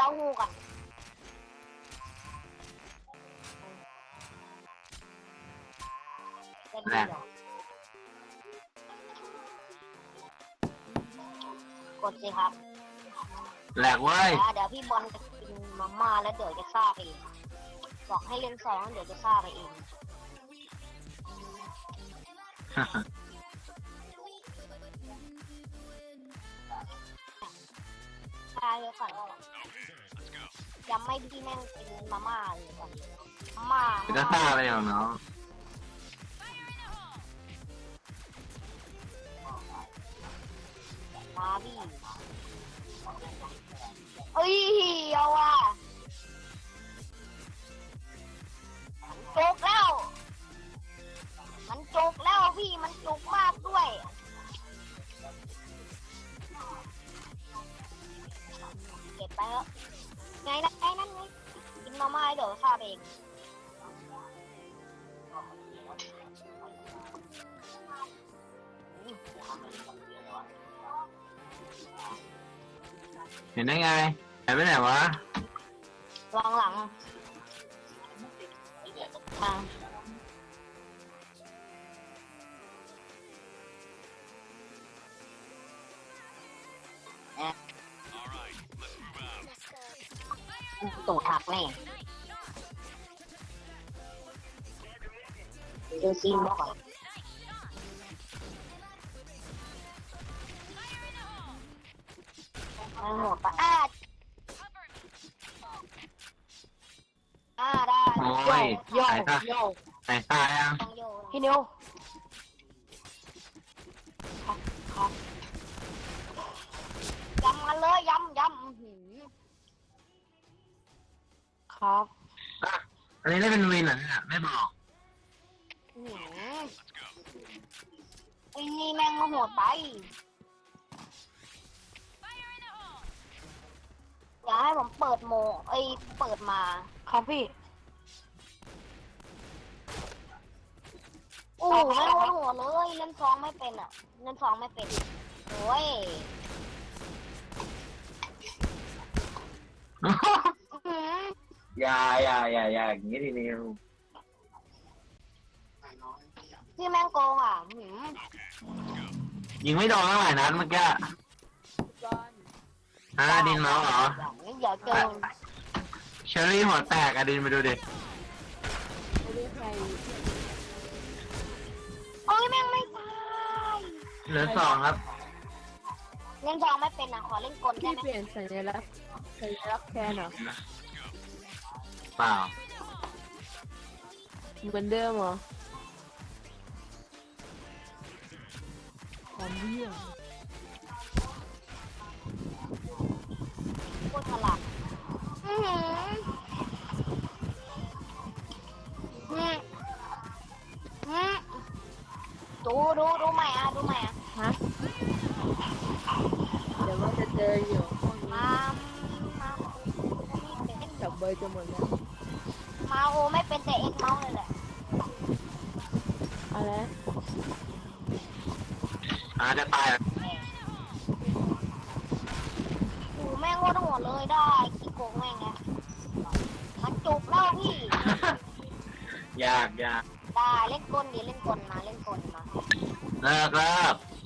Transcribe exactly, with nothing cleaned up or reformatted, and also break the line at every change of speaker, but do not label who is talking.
าหูก่อนจะดีเหรอกดสิครับ
แหลกเว้ย
เดี๋ยวพี่บอลจะกินมาม่าแล้วเดี๋ยวจะฆ่าไปเองบอกให้เล่นสองเดี๋ยวจะฆ่าไปเองฆ่าเยอะก่อนยังไม่พี่แม่งกินมาม่าเลยก่อนมาม่า
จะฆ่าอะไรอย่างเนาะ
มาพี่เอ้ยเอาว่ะมันจุกแล้วมันจุกแล้วพี่มันจุกมากด้วยเก็บไปเถอะไงนะไงนั่นไงกินมาม่าเดี๋ยวฆ่าเอง
เห็นได้ไงหายไปไหนวะ
วางหลังทางตูดหักแน่เจอซีนบอกก่อนมันหมดปะอ้าอ่าได้
โอ้ย
โย
หายตา
โย
หายตายัง
ต้องโยพี่นิวครับครับยำกันเลยยำยำอื้อหือครับ
อ่ะอันนี้ได้เป็นวินเหรอเนี่ยไม่บอก
อื้อหือไอ้นี่แม่งมาโหดไปอย่าให้ผมเปิดโมไอ้เปิดมาครับพี่โอ้โหแม่งโหดเลยเล่นซองไม่เป็นอ่ะเล่นซองไม่เป็นโอ้ยอื้อหือ
อย่าอย่าอย่าอย่าอย่างนี้ทีนิว
พี่แม่งโกงอ่ะหืม
ยิงไม่โดนเท่าไหร่นัดเมื่อกี้ฮะอดินเมาส์เหรอ
อย่างนี้เดี๋ยวเจอ
เชอรี่หัวแตกอดินไปดูดิ
โอ้ยแม่งไม่ตาย
เหลือสองครับ
เล่นซองไม่เป็นอ่ะขอเล่นกลได้
พี่
ไหม
เปลี่ยนสัญลักษณ์สัญลักษณ์แคนเหรอ
เปล่า
เหมือนเดิมเหรอความเหี้ย
โคตรฉลาดอื้อหืออืมอืมดูดูดูใหม่อ่ะดูใหม่อ่ะ
ฮะเดี๋ยวว่าจะเจออยู่พวกนี้
มามาไม่เป็น
จับเบอร์จะหมดแล้ว
มาโอไม่เป็นแต่เอ็กเมาส์เลยแหละ
อะไร
อาจะตายแล้ว
โอ้แม่งโคตรโหดเลยได้ขี้โกงแม่งไงมันจุกแล้วพี่
ยากยาก
ได้เล่นกลดิเล่นกลมาเล่นกลมา
เลิกเลิก